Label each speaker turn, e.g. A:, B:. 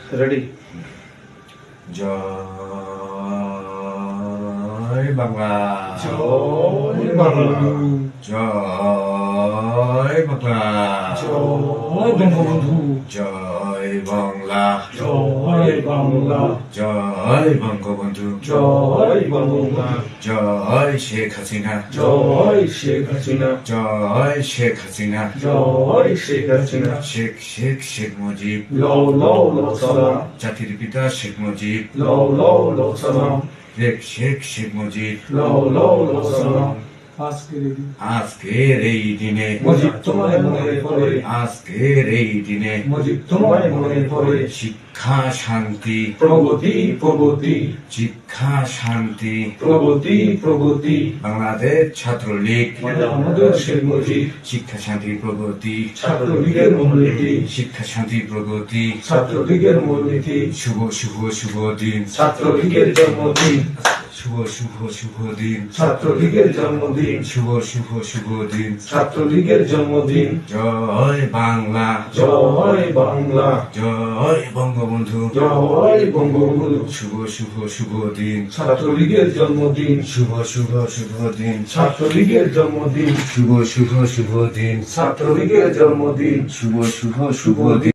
A: Ready.
B: জয় বাংলা,
A: জয় বাংলা,
B: জয় বাংলা,
A: জয় বঙ্গবন্ধু,
B: জয় বাংলা,
A: জয় বাংলা,
B: জয় বঙ্গবন্ধু,
A: জয় বাংলা,
B: জয় শেখ হাসিনা,
A: জয় শেখ হাসিনা,
B: জয় শেখ হাসিনা,
A: জয় শেখ হাসিনা।
B: শেখ শেখ শেখ মুজিব,
A: লও লও লও সালাম,
B: জাতির পিতা শেখ মুজিব,
A: লও লও লও সালাম,
B: শেখ শেখ শেখ মুজিব।
A: লও লও লও সালাম।
B: আজকের এই দিনে,
A: মুজিব তোমায় মনে পড়ে,
B: আজকের এই দিনে
A: মুজিব তোমায় মনে পড়ে।
B: শিক্ষা শান্তি,
A: প্রগতি প্রগতি,
B: শিক্ষা শান্তি,
A: প্রগতি প্রগতি,
B: বাংলাদেশ ছাত্রলীগ,
A: আমাদের শেখ মুজিব।
B: শিক্ষা শান্তি প্রগতি,
A: ছাত্রলীগের মূলনীতি,
B: শিক্ষা শান্তি প্রগতি।
A: ছাত্রলীগের মূলনীতি,
B: শুভ শুভ শুভ দিন,
A: ছাত্রলীগের জন্মদিন,
B: শুভ শুভ শুভ দিন,
A: ছাত্রলীগের জন্মদিন,
B: শুভ শুভ শুভ দিন।
A: ছাত্রলীগের জন্মদিন।
B: জয় বাংলা,
A: জয় বাংলা,
B: জয় বঙ্গবন্ধু,
A: জয় বঙ্গবন্ধু।
B: শুভ শুভ শুভ দিন,
A: ছাত্রলীগের জন্মদিন,
B: শুভ শুভ শুভ দিন,
A: ছাত্রলীগের জন্মদিন,
B: শুভ শুভ শুভ দিন,
A: ছাত্রলীগের জন্মদিন।
B: শুভ শুভ শুভ দিন।